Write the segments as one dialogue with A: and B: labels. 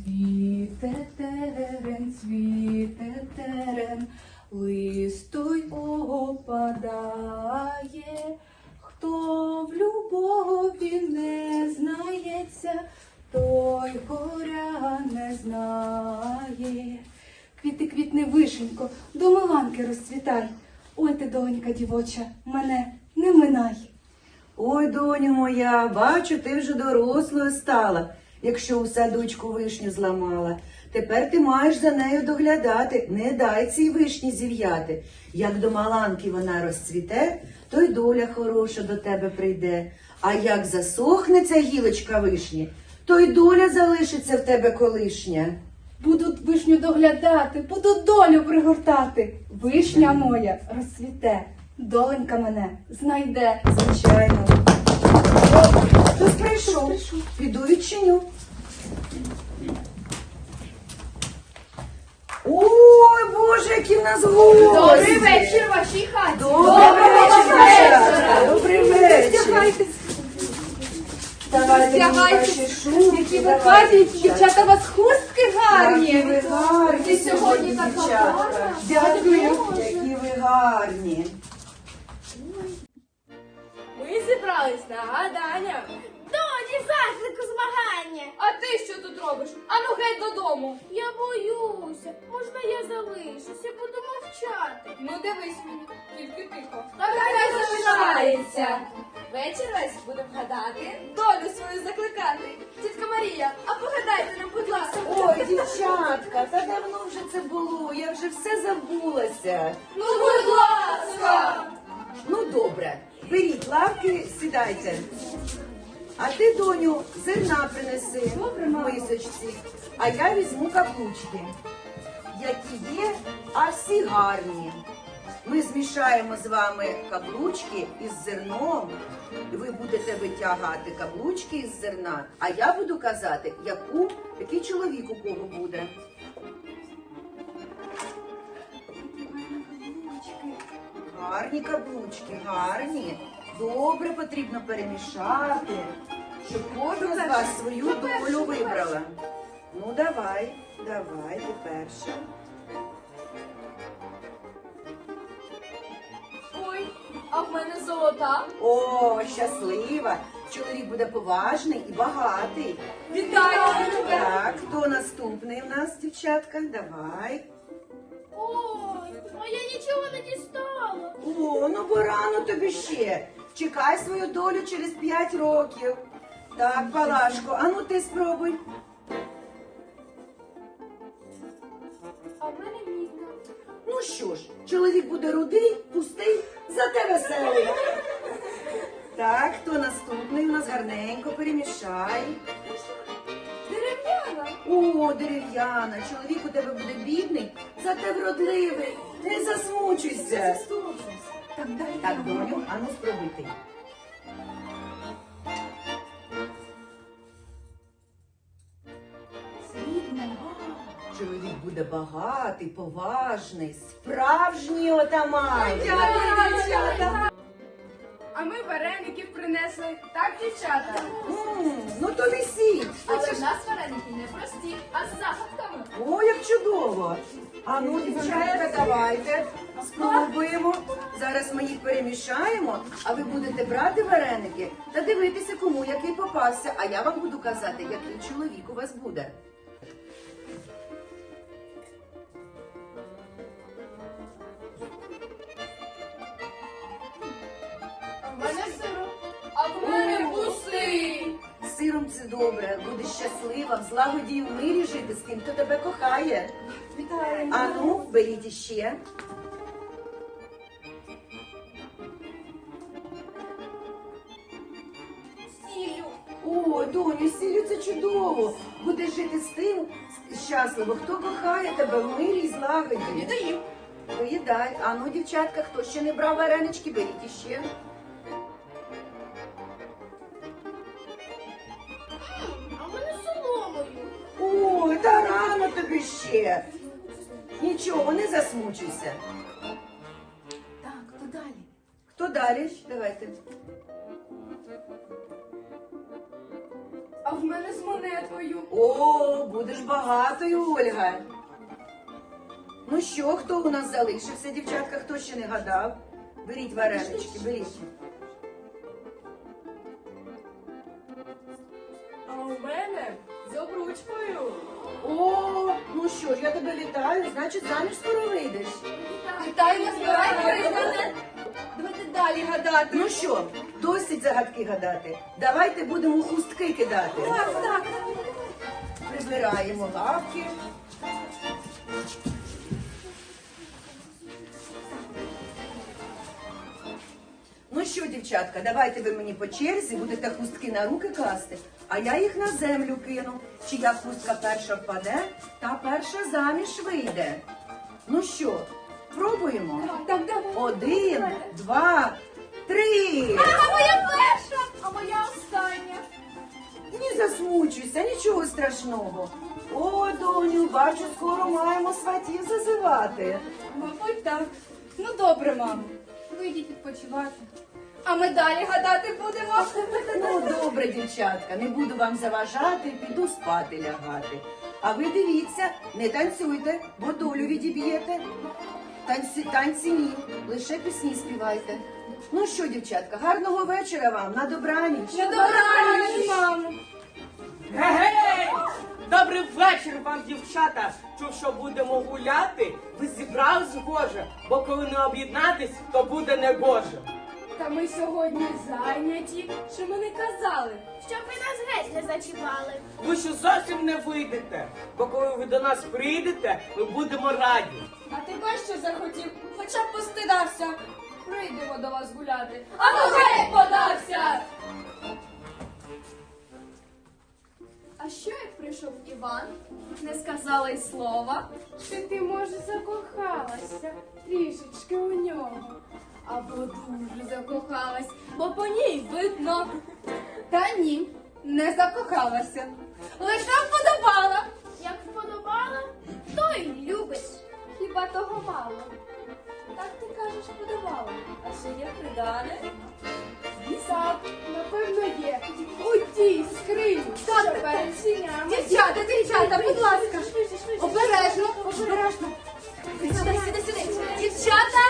A: цвіте терен, листо й опадає. Хто в любові не знається, той горя не знає. Квіти, квітни, вишенько, до Миланки розцвітай. Ой ти, донька дівоча, мене не минай.
B: Ой, доню моя, бачу, ти вже дорослою стала, якщо у садочку вишню зламала. Тепер ти маєш за нею доглядати, не дай цій вишні зів'яти. Як до Маланки вона розцвіте, то й доля хороша до тебе прийде. А як засохне ця гілочка вишні, то й доля залишиться в тебе колишня.
A: Буду вишню доглядати, буду долю пригортати. Вишня моя розцвіте, доленька мене знайде.
B: Звичайно. О, хтось прийшов. Піду відчиню. Ой, Боже, які в нас гості!
C: Добрий вечір вашій хаті.
B: Добрий вечір, дівчатка! Добрий вечір! Давайте мені ваші шубки.
A: Які ви гарні, дівчата, у вас хустки
B: Які
A: гарні.
B: ви гарні
C: Ти сьогодні така
B: дівчатка.
C: гарна.
B: Дякую. Які ви гарні.
C: Ми зібрались на гадання. Доні, заклику змагання. А ти що тут робиш? Ану геть додому. Я боюся. Можна я залишуся, буду мовчати. Ну дивись мені, тільки тихо. Хай залишається. Вечір весь будемо гадати, долю свою закликати. Тітка Марія, а погадайте нам, будь ласка.
B: Ой, дівчатка, та давно вже це було. Я вже все забулася.
C: Ну, будь ласка.
B: Ну, добре. Беріть лавки, сідайте. А ти, доню, зерна принеси в мисочці, а я візьму каблучки, які є, а всі гарні. Ми змішаємо з вами каблучки із зерном, і ви будете витягати каблучки із зерна, а я буду казати, який чоловік у кого буде. Гарні каблучки, гарні. Добре потрібно перемішати, щоб кожна з вас свою долю вибрала. Ну, давай, ти перша.
C: Ой, а в мене золота.
B: О, щаслива. Чоловік буде поважний і багатий.
C: Вітаю тебе.
B: Так, хто наступний в нас, дівчатка? Давай.
C: Ой, а я нічого не дістала.
B: О, ну бо рано тобі ще. Чекай свою долю через 5 років. Так, Палашко, а ну ти спробуй.
C: А в мене мітка.
B: Ну що ж, чоловік буде рудий, пустий, зате веселий. Так, хто наступний? У нас гарненько перемішай.
C: Дерев'яна.
B: О, дерев'яна, чоловік у тебе буде бідний, зате вродливий. Не засмучуйся.
A: Так, дай
B: Так,
A: я.
B: доню, а ну спробуй ти.
A: Срібне.
B: Чоловік буде багатий, поважний, справжній отаман.
C: Дівчата. А ми вареників принесли. Так, дівчата?
B: Ну то несіть.
C: Але в нас вареники не прості, а з загадками.
B: О, як чудово! А ну, дівчатка, давайте спробуємо. Зараз ми їх перемішаємо, а ви будете брати вареники та дивитися, кому який попався. А я вам буду казати, який чоловік у вас буде.
C: А в мене сироп. А в мене пустий.
B: З сиром це добре, будеш щаслива, в злагоді і в мирі жити з тим, хто тебе кохає.
A: Вітаємо.
B: А ну, беріть іще.
C: Сіллю.
B: О, доню, сіллю це чудово. Будеш жити з тим щасливо, хто кохає тебе в мирі і злагоді.
C: Віддаю.
B: Поїдай. А ну, дівчатка, хто ще не брав варенички, беріть іще.
C: А в мене соломою.
B: Ой, та рано тобі ще. Нічого, не засмучуйся.
A: Так, то далі.
B: Хто далі? Давайте.
C: А в мене з монеткою.
B: О, будеш багатою, Ольга. Ну що, хто у нас залишився, дівчатка, хто ще не гадав? Беріть варенички, беріть.
C: А у мене з обручкою.
B: О, ну що ж, я тебе вітаю, значить заміж скоро вийдеш.
C: Вітаю, не збирайте. Давайте далі гадати.
B: Ну що, досить загадки гадати. Давайте будемо хустки кидати.
C: Так.
B: Прибираємо лавки. Ну що, дівчатка, давайте ви мені по черзі будете хустки на руки класти, а я їх на землю кину. Чия хустка перша впаде, та перша заміж вийде. Ну що, пробуємо?
C: Так, давай.
B: 1, 2, 3.
C: А моя перша, а моя остання.
B: Не засмучуйся, нічого страшного. О, доню, бачу, скоро маємо сватів зазивати.
C: Мабуть, так. Ну добре, мамо. Ви йдіть відпочивати. А ми далі гадати будемо.
B: Ну, добре, дівчатка, не буду вам заважати, піду спати лягати. А ви дивіться, не танцюйте, бо долю відіб'єте. Танці ні, лише пісні співайте. Ну що, дівчатка, гарного вечора вам, на добраніч.
C: На добраніч, мамо.
D: Гей! Добрий вечір вам, дівчата! Чув, що будемо гуляти? Ви зібрались, Боже, бо коли не об'єднатись, то буде не Боже.
C: Та ми сьогодні зайняті. Що ми не казали?
E: Щоб ви нас геть не зачіпали.
D: Ви що зовсім не вийдете, бо коли ви до нас прийдете, ми будемо раді.
C: А ти бачиш, що захотів? Хоча б постидався. Прийдемо до вас гуляти. А ну геть подався! А що як прийшов Іван? Не сказала й слова. Чи ти, може, закохалася трішечки у нього? Або дуже закохалась, бо по ній видно. Та ні, не закохалася. Лише вподобала.
E: Як вподобала, то й любить.
C: Хіба того мало? Так ти кажеш, подавала. А ще є придане? Так, напевно, є. У тій скрині, що перед сінями. Дівчата, будь ласка. Обережно, обережно. Сюди. Дівчата.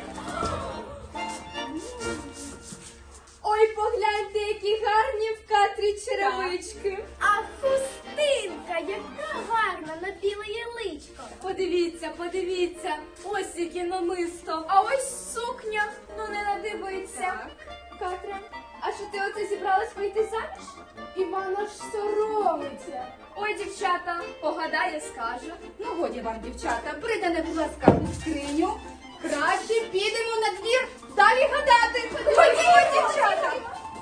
C: Ой, погляньте, які гарні в Катрі черевички.
E: А хустинка, яка гарна на біле яличко.
C: Подивіться, ось яке намисто. А ось сукня, ну не надивиться. Катря, а що ти оце зібралась вийти заміж? Івана ж соромиться. Ой, дівчата, погадає, скаже. Ну, годі вам, дівчата, придане, будь ласка, у скриню. Краще підемо на двір далі гадати. Ходімо, дівчата.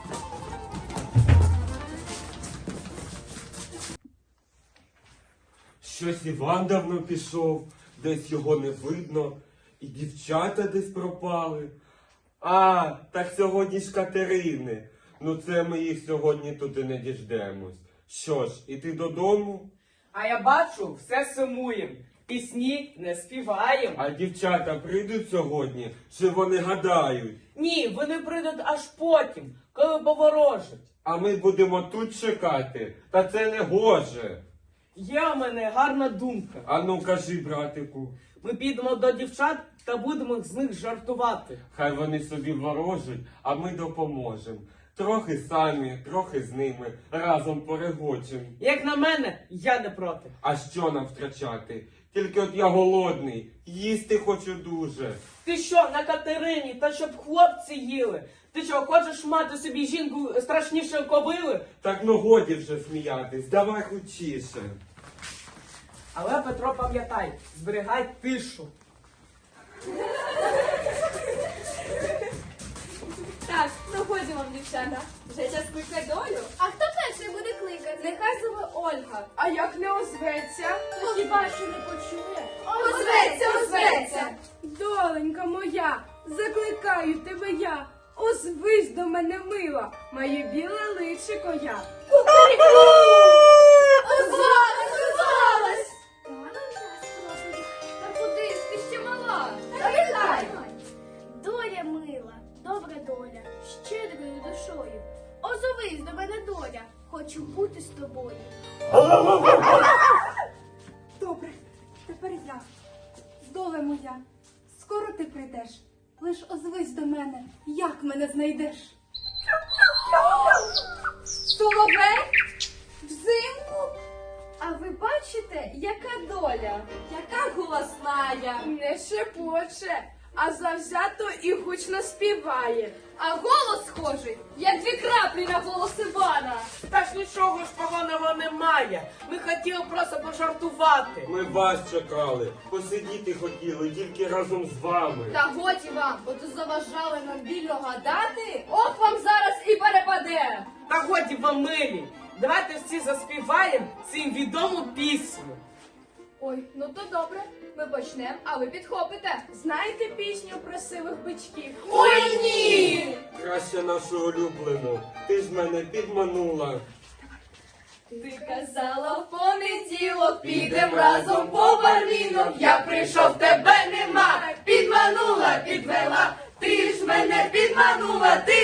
F: Щось Іван давно пішов, десь його не видно, і дівчата десь пропали. А, так сьогодні ж Катерини. Ну це ми їх сьогодні туди не діждемось. Що ж, іти додому?
D: А я бачу, все сумуєм. Пісні не співаєм.
F: А дівчата прийдуть сьогодні, чи вони гадають?
D: Ні, вони прийдуть аж потім, коли поворожать.
F: А ми будемо тут чекати, та це не гоже.
D: Є у мене гарна думка.
F: А ну кажи, братику,
D: Ми підемо до дівчат та будемо з них жартувати.
F: хай вони собі ворожать, а ми допоможемо. Трохи самі, трохи з ними, разом перегочем.
D: Як на мене, я не проти.
F: А що нам втрачати? Тільки от я голодний, їсти хочу дуже.
D: Ти що, на Катерині, та щоб хлопці їли? Ти що, хочеш мати собі жінку страшніше кобили?
F: Так ну годі вже сміятись, давай хутчіше.
D: Але, Петро, пам'ятай, зберігай тишу.
C: Так, ну ходімо, дівчата. Вже час кликати долю.
E: А хто перший буде кликати?
C: Нехай зове Ольга. А як не озветься?
E: То хіба що не почує?
C: Озветься! Доленька моя, закликаю тебе я. Озвись до мене, мила, моє біле личико я. Озвалась!
E: Погано в нас проповідь.
C: Та куди ж ти ще мала?
E: Давай. Доля мила, добра доля, щедрою душою. Озовись до мене, доля, Хочу бути з тобою.
A: Добре, тепер я. Доле моя, скоро ти прийдеш. Лиш озвись до мене, як мене знайдеш. Соловей? Взимку?
C: А ви бачите, яка доля?
A: Яка голосная?
C: Не шепоче, а завзято і гучно співає. А голос схожий, як 2 краплі на голос Івана.
D: Та ж нічого ж поганого немає. Ми хотіли просто пожартувати.
F: Ми вас чекали, посидіти хотіли тільки разом з вами.
C: Та годі вам, бо то заважали нам вільно гадати. От вам зараз і перепаде.
D: Та годі вам милі. Давайте всі заспіваємо цим відому пісню.
C: Ой, ну то добре, ми почнемо, а ви підхопите. Знаєте пісню про сивих бичків? Ой, ні!
F: Краще нашу улюблену, ти ж мене підманула.
C: Ти казала в понеділок, підем разом по барвінок. Я прийшов, тебе нема, підманула, підвела. Ти ж мене підманула, ти